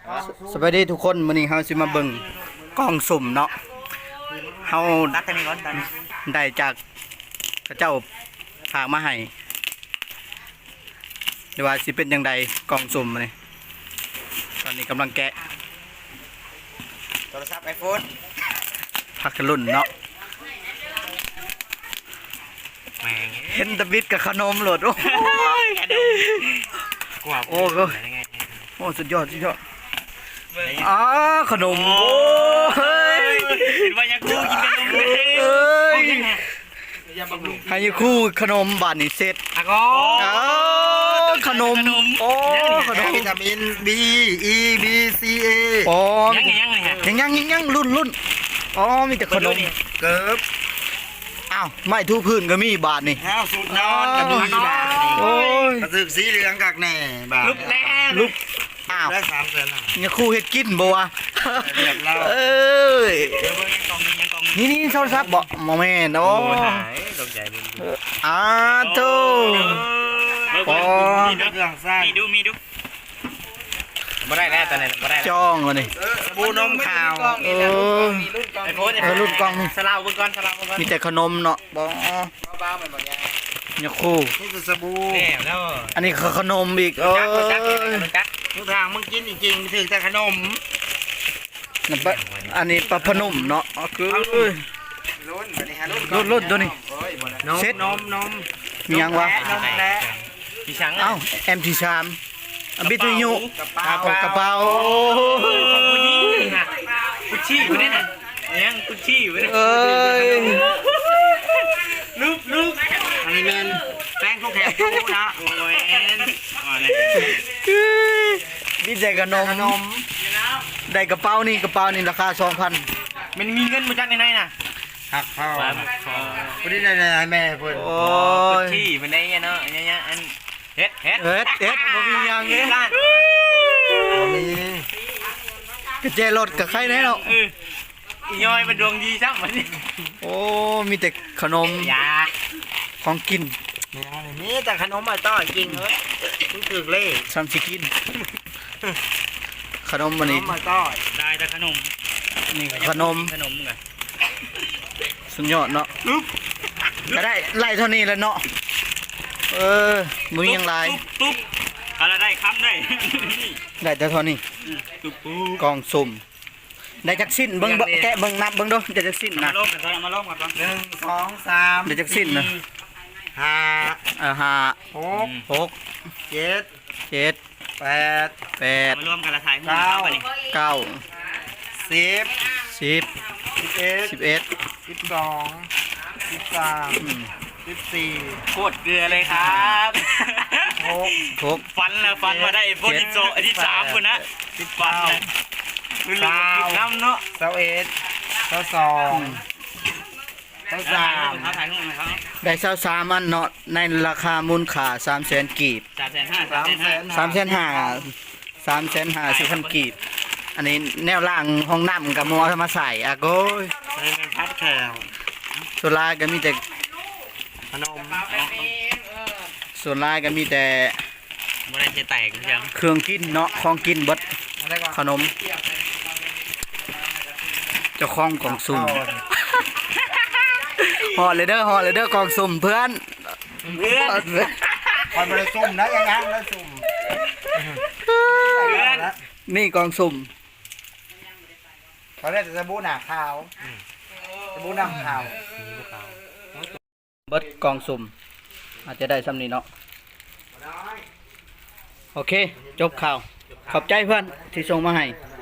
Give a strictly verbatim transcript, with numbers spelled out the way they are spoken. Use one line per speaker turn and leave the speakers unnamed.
สวัสดีทุกคนมื้อนี้เฮาสิมาเบิ่งกล่องสุ่มเนาะเฮา
ตักกันนี่ก่อนตัก
ได้จากพระเจ้าฝากมาให้เดี๋ยวว่าสิเป็นจังไดกล่องสุ่มนี่ตอนนี้กำลังแกะ
โทรศัพท์ไอโฟน
พักกันรุ่นเนาะ
แม่ง
เห็นแตะบิดกับขนมโหลดโอ้ย
กว่า
โอ้โหโอ้สุดยอดสุดยอดอ๋อขนมโอ้ย
เห็นว่ายังกูกินกันเลย
เอ้ย
อย่าบังลุง
ให้คู่ขนมบาดนี่เสร็จ
อ่ะก็
อ๋อขนมโอ้ขนม
วิตามิน B E B C A
อ๋อ
ยังไงยังไงฮะ
ยังยังยังยังรุ่นรุ่นอ๋อมีแต่ขนม
เกิบ
อ้าวไม่ทูพื้นก็มีบาทนี่
ข้าวสูตรนอนกับมีบาท
โอ้ย
กระสึกสีเหลืองกักแหน่บาท
ลุกแล้ว
ลุกอ้าว
ได้สามแสนหา
เนี่ยครู่เฮ็ดกินบ่วะ
เรียบร้อย
เอ้ย
เดี๋ยวเบิ่งยังกองนึงยังกองนึง
นี่นี่โทรศัพท์บ่บ่แม่นโอ้
โอ้หายตกใจเลย
อ้าโต
ปอ
มีเครื่องสร้าง
มีดูมีดูบ่ได้แล้วตอนนี้บ่ได้แล้ว
จ้องวะนี่
ปูนมขาว
เออ
ไอโฟน
เออรุ่นกล้องนี่
สลาวเบิ่งก่อนสลาวเบิ่งก่อน
มีแต่ขนมเนาะบ่
เบาๆมันบ่ยาก
เนี่ยครู่
นี่คือสบู่
แล้วแล้ว
อันนี้คือขนมอีกเอ้
จักบ่จัก
ย
จัก
ทุกทางมึงกินจริงๆถึงแต่ขนม
นั่นปะอันนี้ปลาพนุ่มเนาะอ๋อคือ
รุ่นไปนี่ฮะรุ่น
รุ่นรุ่นตัวนี้
นม
เซ็ต
นมนม
มียังวะ
นมแพะ
พี่ช้าง
เอ้าเอ็มทีสามบิทยุ
กระเป๋า
โอ้กระเป๋า
ของผู้หญิงน่ะกุชชี่อยู่นี่น่ะยังกุชชี่อยู่นี่
เอ้ย
ลูกลูก
อันนี้เป็นแป้งทุกแถบตู้นะ
โอ้ยอ๋อเลย
นี่ได้ขนมนมได้กระเป๋านี่กระเป๋านี่ราคาสองพัน
มันมีเงินมาจากไหนน่ะ
หักเข้า
มา
คนนี้ได้ได้แม่เพิ่น
โอ้
กุช
ย
ชี่มันได้เนาะเนี่ยอันเฮ็ดเฮ็ด
เอ็ดเอ็ดบ่มีหยังเด้
นี่
กระเจรถกับใครแน่เนาะ
เออย่อยมันดวงดีซ้ำมันนี่
โอ้มีแต่ขนม
ยา
ของกิน
นี่แต่ขนมมาต้อจริงเฮ้ยรู้สึกเล่
ซ้ำสิกิน ขนมวันนี้
มาต้อ
ได้แต่ขนม
นี่ขนม
ขนมไง
สุดยอดเนาะก็ได้ไล่เท่านี้แล้วเนาะเออมึงยังไล่
ตุ๊บตุ๊บอะไรได้คำได้
ได้แต่เท่านี้
ตุ๊บปุ๊บ
กองสุ่มได้จักสิ้นเบิ่งเบิ่งแกะเบิ่งนับเบิ่งดูได้จักสิ้น
มา
นะ
ลงกันก่อนมาลงกันก่อน
หนึ่งสองสาม
ได้จักสิ้นนะ
ห้า
อ่าห้า
หก
หก
เจ็ด
เจ็ด
แปด
แปด
มารวมกันละถ่ายหุ้นเข้าไปนี่
เก้า
สิบ
สิบ
สิบเอ็ด
สิบเอ็ด
สิบสองสิบสาม
อืม
สิบสี่
โคตรเกลือเลยครับ
หก
หก
ฟันแล้วฟันมาได้โบนิโซอันที่สามคนนะสิบฟันเลยคือลืมกินน้ำเนาะ
เสาเอ็ดเสาสองเสาสาม
เขาถ่ายหุ้นเขา
ได้เศร้าสามอันเนาะในราคามูลค่าสามแสนกีบ
สามแสนห้า
สามแสน
สามแสนห้าสามแสนห้าสิบพันกีบอันนี้แนวล่างห้องน้ำกับมอมาใส่อะโก้ย
ใช้เป็นพัดแขว
ส่วนลายก็มีแต่
ขนม
ส่วนลายก็มีแต่
บ่ได้จะแตกเพียง
เครื่องกินเนาะของกินเบด
อะไรก่อน
ขนมเจ้าของกล่องสุ่มห่อเลยเด้อห่อเลยเด้อกล่องสุ่มเพื่อน
เพื่อน
คอยบริสุ่มนะยังงั้นแล้วสุ่ม
นี่กล่องสุ่ม
เขาเรียกสบู่หนาขาวสบู่หนาขาว
เบิดกล่องสุ่มอาจจะได้ซ้ำนี้เนาะโอเค จบข่าว ขอบใจเพื่อนที่ส่งมาให้
เ